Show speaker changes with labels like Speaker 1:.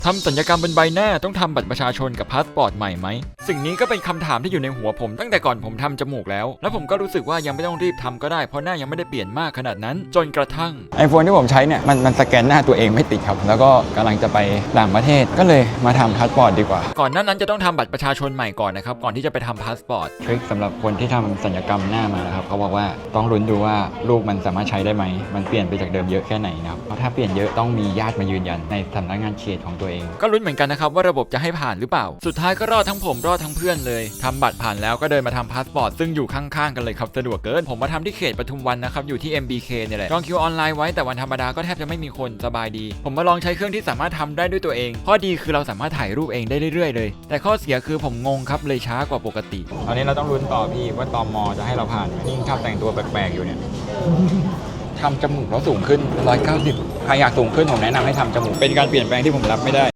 Speaker 1: ทำสัญญกรรมบนใบหน้าต้องทำบัตรประชาชนกับพาสปอร์ตใหม่ไหมสิ่งนี้ก็เป็นคำถามที่อยู่ในหัวผมตั้งแต่ก่อนผมทำจมูกแล้วผมก็รู้สึกว่ายังไม่ต้องรีบทำก็ได้เพราะหน้ายังไม่ได้เปลี่ยนมากขนาดนั้นจนกระทั่ง
Speaker 2: iPhone ที่ผมใช้เนี่ยมันสแกนหน้าตัวเองไม่ติดครับแล้วก็กำลังจะไปต่างประเทศก็เลยมาทำพาสปอร์ตดีกว่า
Speaker 1: ก่อนหน้านั้นจะต้องทำบัตรประชาชนใหม่ก่อนนะครับก่อนที่จะไปทำพาสปอร์ต
Speaker 2: ทริคสำหรับคนที่ทำศัลยกรรมหน้ามานะครับเขาบอกว่าต้องลุ้นดูว่ารูปมันสามารถใช้ได้ไหมมันเปลี่ยนไปจากเดิมเยอะแค่ไหนนะครับเพราะถ้าเปลี่ยนเยอะต้องมีญาติมายืนยันในสำนักงานเขตของตัวเอง
Speaker 1: ก็ลุ้นเหมือนกันนะครับว่าระบบจะให้ผ่านหรือเปล่าสุดท้ายก็รอดทั้งผมรอดทั้งเพื่อนเลยทำบัตรผ่านแล้วก็เดินมาทำพาสปอร์ตซึ่งอยู่ข้างๆกันเลยครับสะดวกเกินผมมาทำที่เขตปทุมวันนะครับอยู่ที่ MBK เนี่ยแหละจองคิวออนไลน์ไว้แต่วันธรรมดาก็แทบจะไม่มีคนสบายดีผมมาลองใช้เครื่องที่สามารถทำได้ด้วยตัวเองข้อดีคือเราสามารถถ่ายรูปเองได้เรื่อยๆเลยแต่ข้อเสียคือผมงงครับเลยช้ากว่าปกติ
Speaker 2: ตอนนี้เราต้องลุ้นต่อพี่ว่าตมจะให้เราผ่านไหมนี่ชอบแต่งตัวแปลกๆอยู่เนี่ย ทำจมูกแล้วสูงขึ้น190ใครอยากสูงขึ้นผมแนะนำให้ทำจมูกเป็นการเปลี่ยนแปลงที่ผมรับไม่ได้